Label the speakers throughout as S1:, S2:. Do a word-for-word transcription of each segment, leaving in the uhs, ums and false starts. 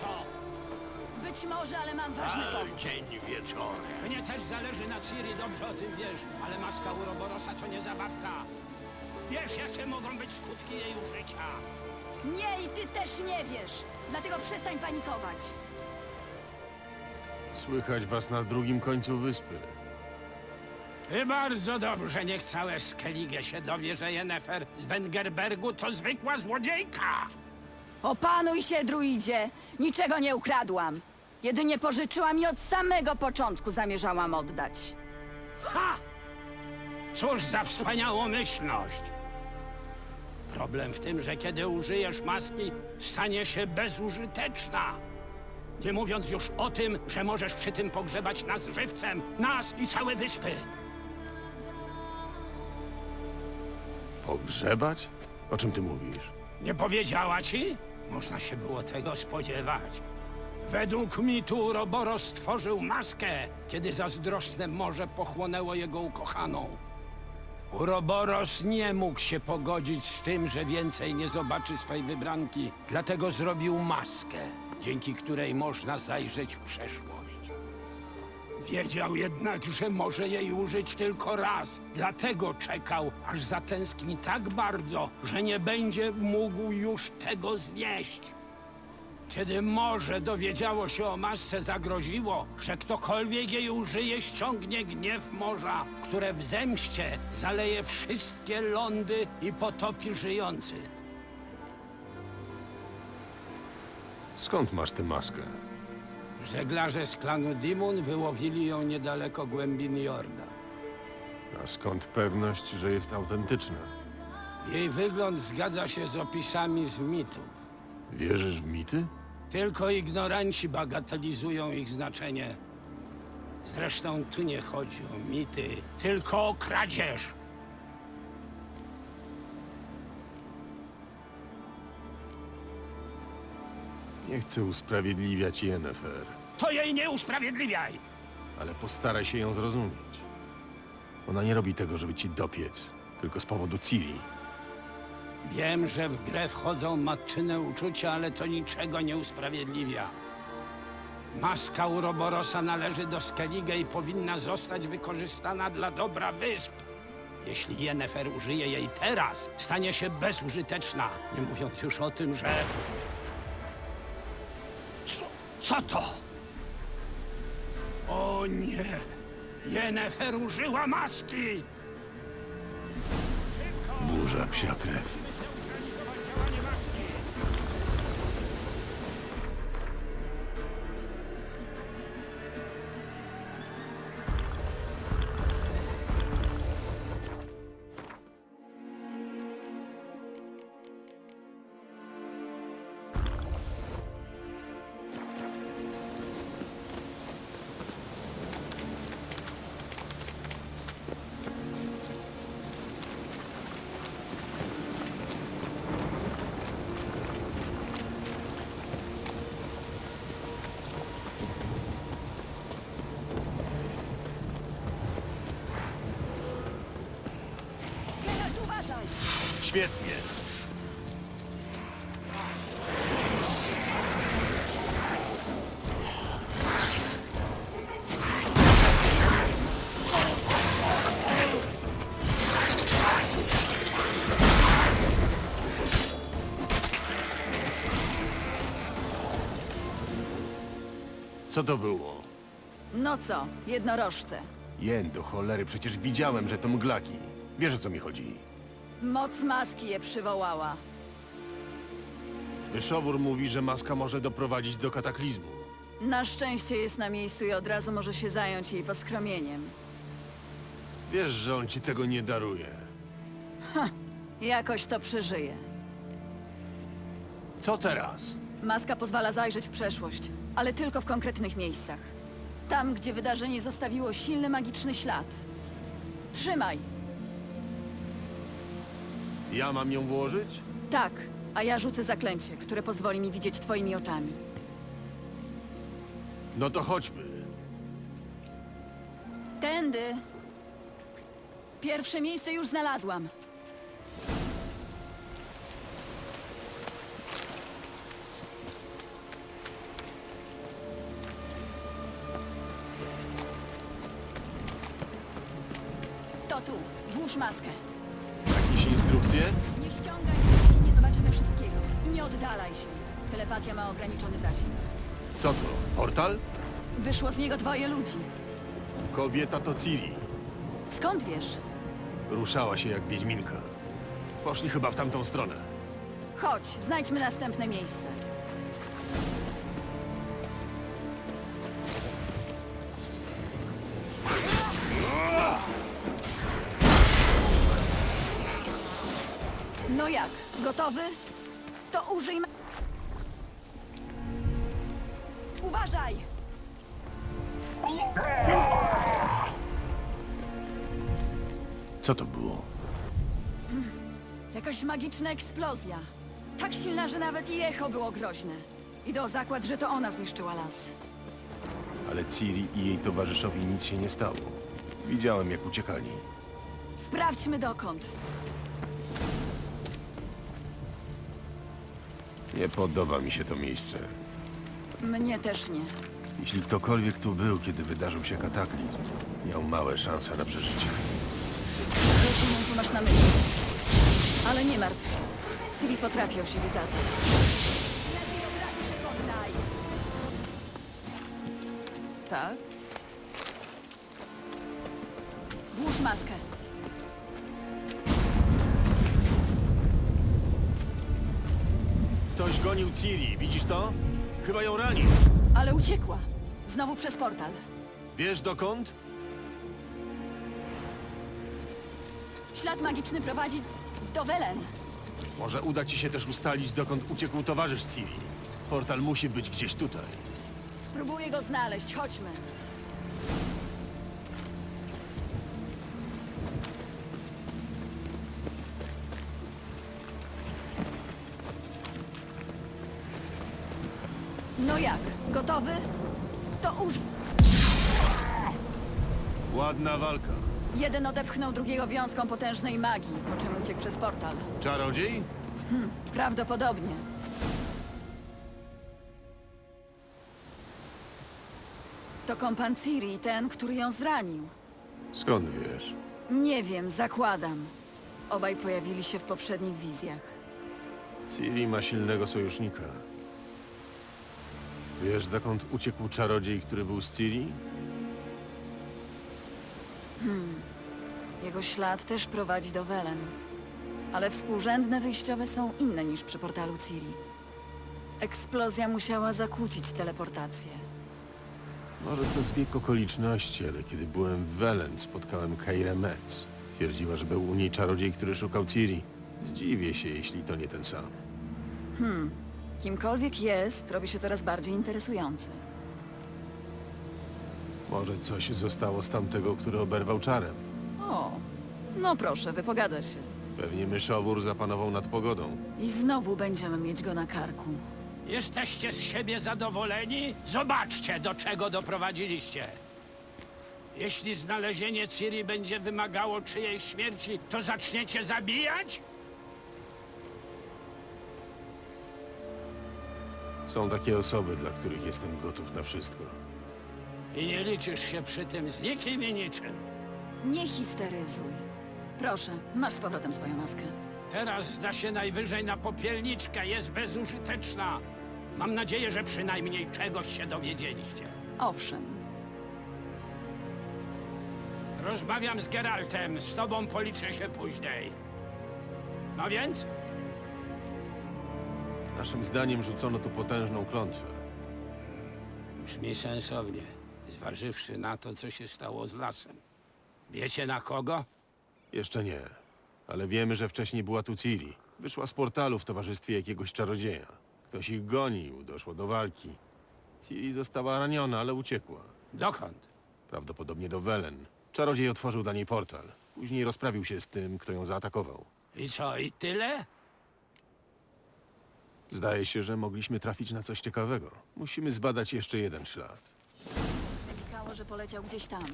S1: to!
S2: Być może, ale mam ważny powód.
S3: Dzień wieczorem.
S1: Mnie też zależy na Ciri, dobrze o tym wiesz, ale maska Uroborosa to nie zabawka. Wiesz, jakie mogą być skutki jej użycia.
S2: Nie, i ty też nie wiesz. Dlatego przestań panikować.
S4: Słychać was na drugim końcu wyspy.
S1: I bardzo dobrze, niech całe Skellige się dowie, że Yennefer z Wengerbergu to zwykła złodziejka.
S2: Opanuj się, druidzie. Niczego nie ukradłam. Jedynie pożyczyłam i od samego początku zamierzałam oddać.
S1: Ha! Cóż za wspaniałomyślność! Problem w tym, że kiedy użyjesz maski, stanie się bezużyteczna. Nie mówiąc już o tym, że możesz przy tym pogrzebać nas żywcem, nas i całe wyspy.
S4: Pogrzebać? O czym ty mówisz?
S1: Nie powiedziała ci? Można się było tego spodziewać. Według mitu Uroboros stworzył maskę, kiedy zazdrosne morze pochłonęło jego ukochaną. Uroboros nie mógł się pogodzić z tym, że więcej nie zobaczy swej wybranki, dlatego zrobił maskę, dzięki której można zajrzeć w przeszłość. Wiedział jednak, że może jej użyć tylko raz, dlatego czekał, aż zatęskni tak bardzo, że nie będzie mógł już tego znieść. Kiedy morze dowiedziało się o masce, zagroziło, że ktokolwiek jej użyje, ściągnie gniew morza, które w zemście zaleje wszystkie lądy i potopi żyjących.
S4: Skąd masz tę maskę?
S1: Żeglarze z klanu Dimun wyłowili ją niedaleko głębin Jorda.
S4: A skąd pewność, że jest autentyczna?
S1: Jej wygląd zgadza się z opisami z mitów.
S4: Wierzysz w mity?
S1: Tylko ignoranci bagatelizują ich znaczenie. Zresztą tu nie chodzi o mity, tylko o kradzież.
S4: Nie chcę usprawiedliwiać Yennefer,
S1: To jej nie usprawiedliwiaj!
S4: ale postaraj się ją zrozumieć. Ona nie robi tego, żeby ci dopiec, tylko z powodu Ciri.
S1: Wiem, że w grę wchodzą matczyne uczucia, ale to niczego nie usprawiedliwia. Maska Uroborosa należy do Skellige i powinna zostać wykorzystana dla dobra wysp. Jeśli Yennefer użyje jej teraz, stanie się bezużyteczna, nie mówiąc już o tym, że... Co, co to? O nie! Yennefer użyła maski!
S4: Burza psia krew.
S2: Geralt, uważaj!
S4: Świetnie. Co to było?
S2: No co, jednorożce.
S4: Jen, do cholery, przecież widziałem, że to mglaki. Wiesz, o co mi chodzi.
S2: Moc maski je przywołała.
S4: Szowór mówi, że maska może doprowadzić do kataklizmu.
S2: Na szczęście jest na miejscu i od razu może się zająć jej poskromieniem.
S4: Wiesz, że on ci tego nie daruje.
S2: Jakoś to przeżyje.
S4: Co teraz?
S2: Maska pozwala zajrzeć w przeszłość, ale tylko w konkretnych miejscach. Tam, gdzie wydarzenie zostawiło silny magiczny ślad. Trzymaj!
S4: Ja mam ją włożyć?
S2: Tak, a ja rzucę zaklęcie, które pozwoli mi widzieć twoimi oczami.
S4: No to chodźmy.
S2: Tędy! Pierwsze miejsce już znalazłam. To tu. Włóż maskę.
S4: Jakieś instrukcje?
S2: Nie ściągaj, dopóki nie zobaczymy wszystkiego. I nie oddalaj się. Telepatia ma ograniczony zasięg.
S4: Co to? Portal?
S2: Wyszło z niego dwoje ludzi.
S4: Kobieta to Ciri.
S2: Skąd wiesz?
S4: Ruszała się jak wiedźminka. Poszli chyba w tamtą stronę.
S2: Chodź, znajdźmy następne miejsce. No jak? Gotowy? To użyj... ma- Uważaj!
S4: Co to było?
S2: Jakaś magiczna eksplozja. Tak silna, że nawet i echo było groźne. Idę o zakład, że to ona zniszczyła las.
S4: Ale Ciri i jej towarzyszowi nic się nie stało. Widziałem, jak uciekali.
S2: Sprawdźmy dokąd.
S4: Nie podoba mi się to miejsce.
S2: Mnie też nie.
S4: Jeśli ktokolwiek tu był, kiedy wydarzył się kataklizm, miał małe szanse na przeżycie.
S2: Rozumiem, co masz na myśli. Ale nie martw się. Ciri potrafi o siebie zadbać. Lepiej od razu się poddaj. Tak? Włóż maskę.
S4: Ktoś gonił Ciri, widzisz to? Chyba ją ranił.
S2: Ale uciekła. Znowu przez portal.
S4: Wiesz dokąd?
S2: Ślad magiczny prowadzi do Welen.
S4: Może uda ci się też ustalić, dokąd uciekł towarzysz Ciri. Portal musi być gdzieś tutaj.
S2: Spróbuję go znaleźć. Chodźmy. No jak? Gotowy? To uż...
S4: Ładna walka.
S2: Jeden odepchnął drugiego wiązką potężnej magii, po czym uciekł przez portal.
S4: Czarodziej?
S2: Prawdopodobnie. To kompan Ciri, ten, który ją zranił.
S4: Skąd wiesz?
S2: Nie wiem, zakładam. Obaj pojawili się w poprzednich wizjach.
S4: Ciri ma silnego sojusznika. Wiesz, dokąd uciekł czarodziej, który był z Ciri?
S2: Jego ślad też prowadzi do Welen. Ale współrzędne wyjściowe są inne niż przy portalu Ciri. Eksplozja musiała zakłócić teleportację.
S4: Może to zbieg okoliczności, ale kiedy byłem w Welen, spotkałem Keirę Metz. Twierdziła, że był u niej czarodziej, który szukał Ciri. Zdziwię się, jeśli to nie ten sam.
S2: Kimkolwiek jest, robi się coraz bardziej interesujący.
S4: Może coś zostało z tamtego, który oberwał czarem.
S2: O, no proszę, wypogada się.
S4: Pewnie myszowór zapanował nad pogodą.
S2: I znowu będziemy mieć go na karku.
S1: Jesteście z siebie zadowoleni? Zobaczcie, do czego doprowadziliście. Jeśli znalezienie Ciri będzie wymagało czyjejś śmierci, to zaczniecie zabijać?
S4: Są takie osoby, dla których jestem gotów na wszystko.
S1: I nie liczysz się przy tym z nikim i niczym.
S2: Nie histeryzuj. Proszę, masz z powrotem swoją maskę.
S1: Teraz zda się najwyżej na popielniczkę, jest bezużyteczna. Mam nadzieję, że przynajmniej czegoś się dowiedzieliście.
S2: Owszem,
S1: Rozmawiam z Geraltem, z tobą policzę się później. No więc?
S4: Naszym zdaniem rzucono tu potężną klątwę.
S1: Brzmi sensownie, zważywszy na to, co się stało z lasem. Wiecie na kogo?
S4: Jeszcze nie, ale wiemy, że wcześniej była tu Ciri. Wyszła z portalu w towarzystwie jakiegoś czarodzieja. Ktoś ich gonił, doszło do walki. Ciri została raniona, ale uciekła.
S1: Dokąd?
S4: Prawdopodobnie do Welen. Czarodziej otworzył dla niej portal. Później rozprawił się z tym, kto ją zaatakował.
S1: I co, i tyle?
S4: Zdaje się, że mogliśmy trafić na coś ciekawego. Musimy zbadać jeszcze jeden ślad.
S2: wynikało, że poleciał gdzieś tam.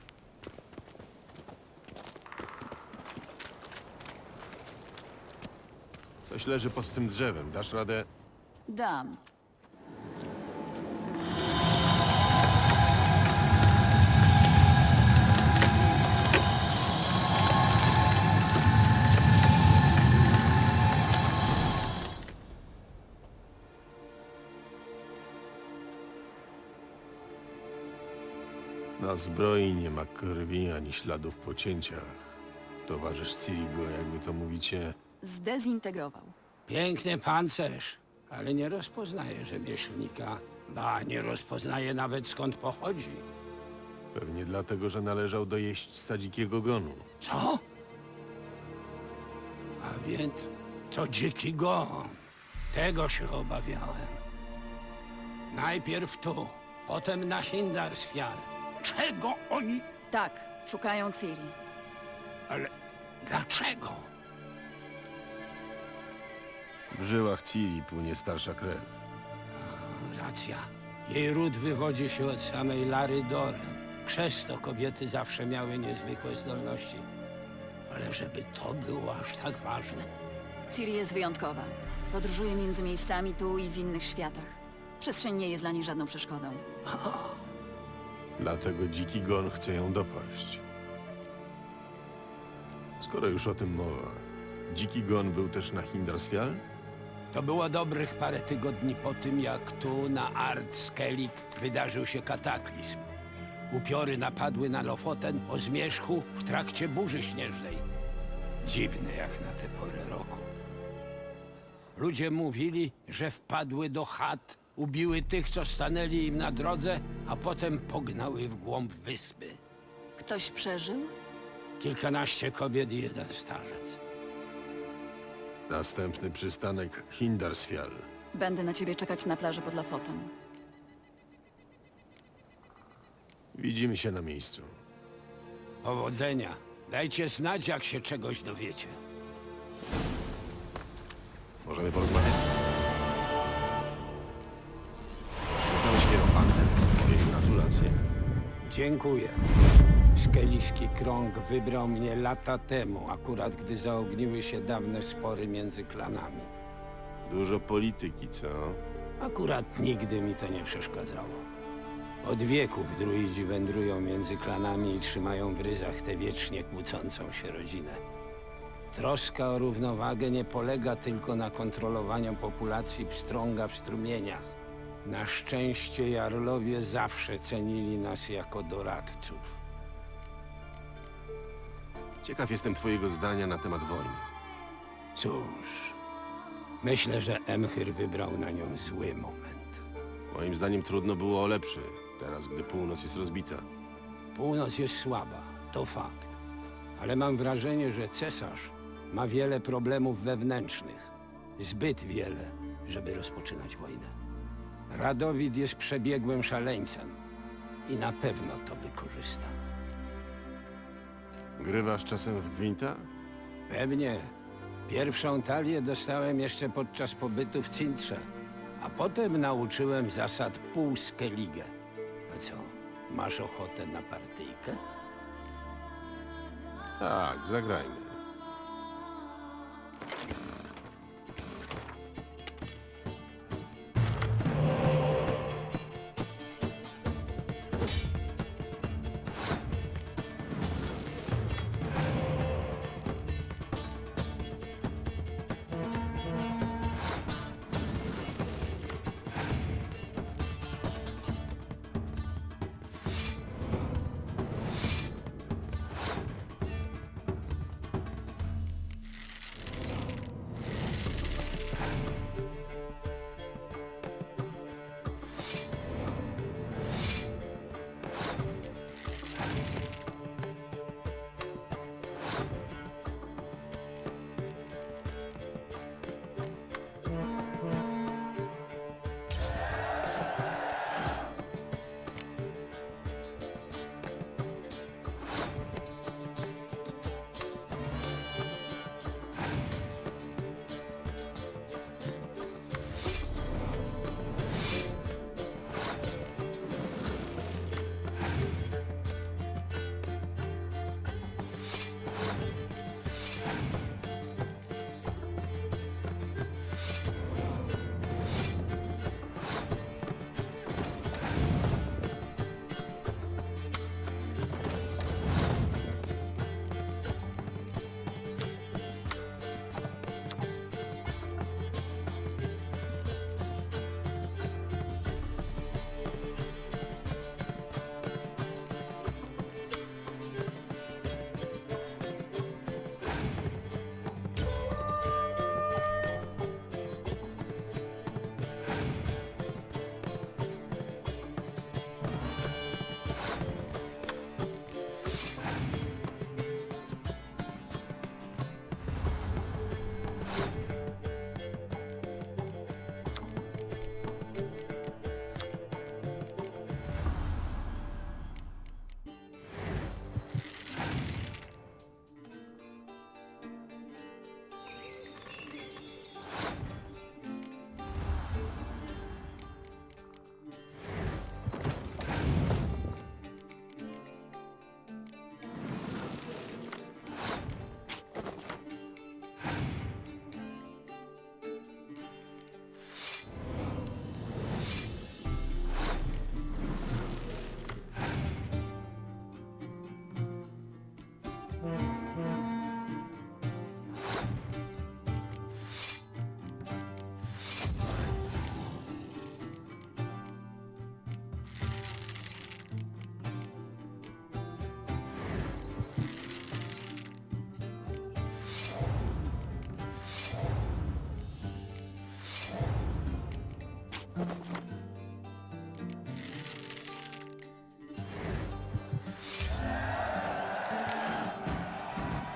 S4: Coś leży pod tym drzewem. Dasz radę?
S2: Dam.
S4: ma zbroi, nie ma krwi ani śladów po cięciach. Towarzysz Ciri go, jakby to mówicie,
S2: Zdezintegrował.
S1: Piękny pancerz, ale nie rozpoznaje rzemieślnika. Ba, nie rozpoznaje nawet skąd pochodzi.
S4: pewnie dlatego, że należał do jeźdźca dzikiego gonu.
S1: Co? A więc to dziki gon. Tego się obawiałem. Najpierw tu, potem na Hindarsfjall. Czego oni...
S2: Tak, szukają Ciri.
S1: Ale dlaczego?
S4: W żyłach Ciri płynie starsza krew.
S1: Racja. Jej ród wywodzi się od samej Lary Doren. Przez to kobiety zawsze miały niezwykłe zdolności. Ale żeby to było aż tak ważne.
S2: Ciri jest wyjątkowa. Podróżuje między miejscami tu i w innych światach. Przestrzeń nie jest dla niej żadną przeszkodą.
S4: Dlatego dziki gon chce ją dopaść. Skoro już o tym mowa, dziki gon był też na Hindarsfjall?
S1: To było dobrych parę tygodni po tym, jak tu na Ard Skellig wydarzył się kataklizm. Upiory napadły na Lofoten o zmierzchu w trakcie burzy śnieżnej. Dziwne jak na tę porę roku. Ludzie mówili, że wpadły do chat, ubiły tych, co stanęli im na drodze, a potem pognały w głąb wyspy.
S2: Ktoś przeżył?
S1: Kilkanaście kobiet i jeden starzec.
S4: Następny przystanek Hindarsfjall.
S2: Będę na ciebie czekać na plaży pod Lofoten.
S4: Widzimy się na miejscu.
S1: Powodzenia. Dajcie znać, jak się czegoś dowiecie.
S4: Możemy porozmawiać? Poznałeś Hierofantem. Moje gratulacje.
S1: Dziękuję. Skeliski krąg wybrał mnie lata temu, akurat gdy zaogniły się dawne spory między klanami.
S4: Dużo polityki, co?
S1: Akurat nigdy mi to nie przeszkadzało. Od wieków druidzi wędrują między klanami i trzymają w ryzach tę wiecznie kłócącą się rodzinę. Troska o równowagę nie polega tylko na kontrolowaniu populacji pstrąga w strumieniach. Na szczęście jarlowie zawsze cenili nas jako doradców.
S4: Ciekaw jestem twojego zdania na temat wojny.
S1: Cóż, myślę, że Emhyr wybrał na nią zły moment.
S4: Moim zdaniem trudno było o lepszy, teraz gdy północ jest rozbita.
S1: Północ jest słaba, to fakt. Ale mam wrażenie, że cesarz ma wiele problemów wewnętrznych. Zbyt wiele, żeby rozpoczynać wojnę. Radowid jest przebiegłym szaleńcem i na pewno to wykorzysta.
S4: Grywasz czasem w gwinta?
S1: Pewnie. Pierwszą talię dostałem jeszcze podczas pobytu w Cintrze, a potem nauczyłem zasad pół Skellige. A co, masz ochotę na partyjkę?
S4: Tak, zagrajmy.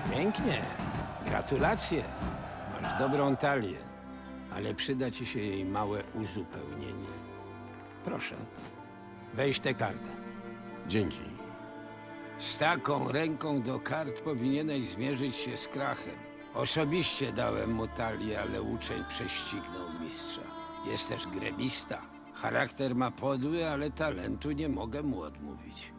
S1: Pięknie. Gratulacje. Masz dobrą talię, ale przyda ci się jej małe uzupełnienie. Proszę, weź tę kartę.
S4: Dzięki.
S1: Z taką ręką do kart powinieneś zmierzyć się z Krachem. Osobiście dałem mu talię, ale uczeń prześcignął mistrza. Jest też gremista. Charakter ma podły, ale talentu nie mogę mu odmówić.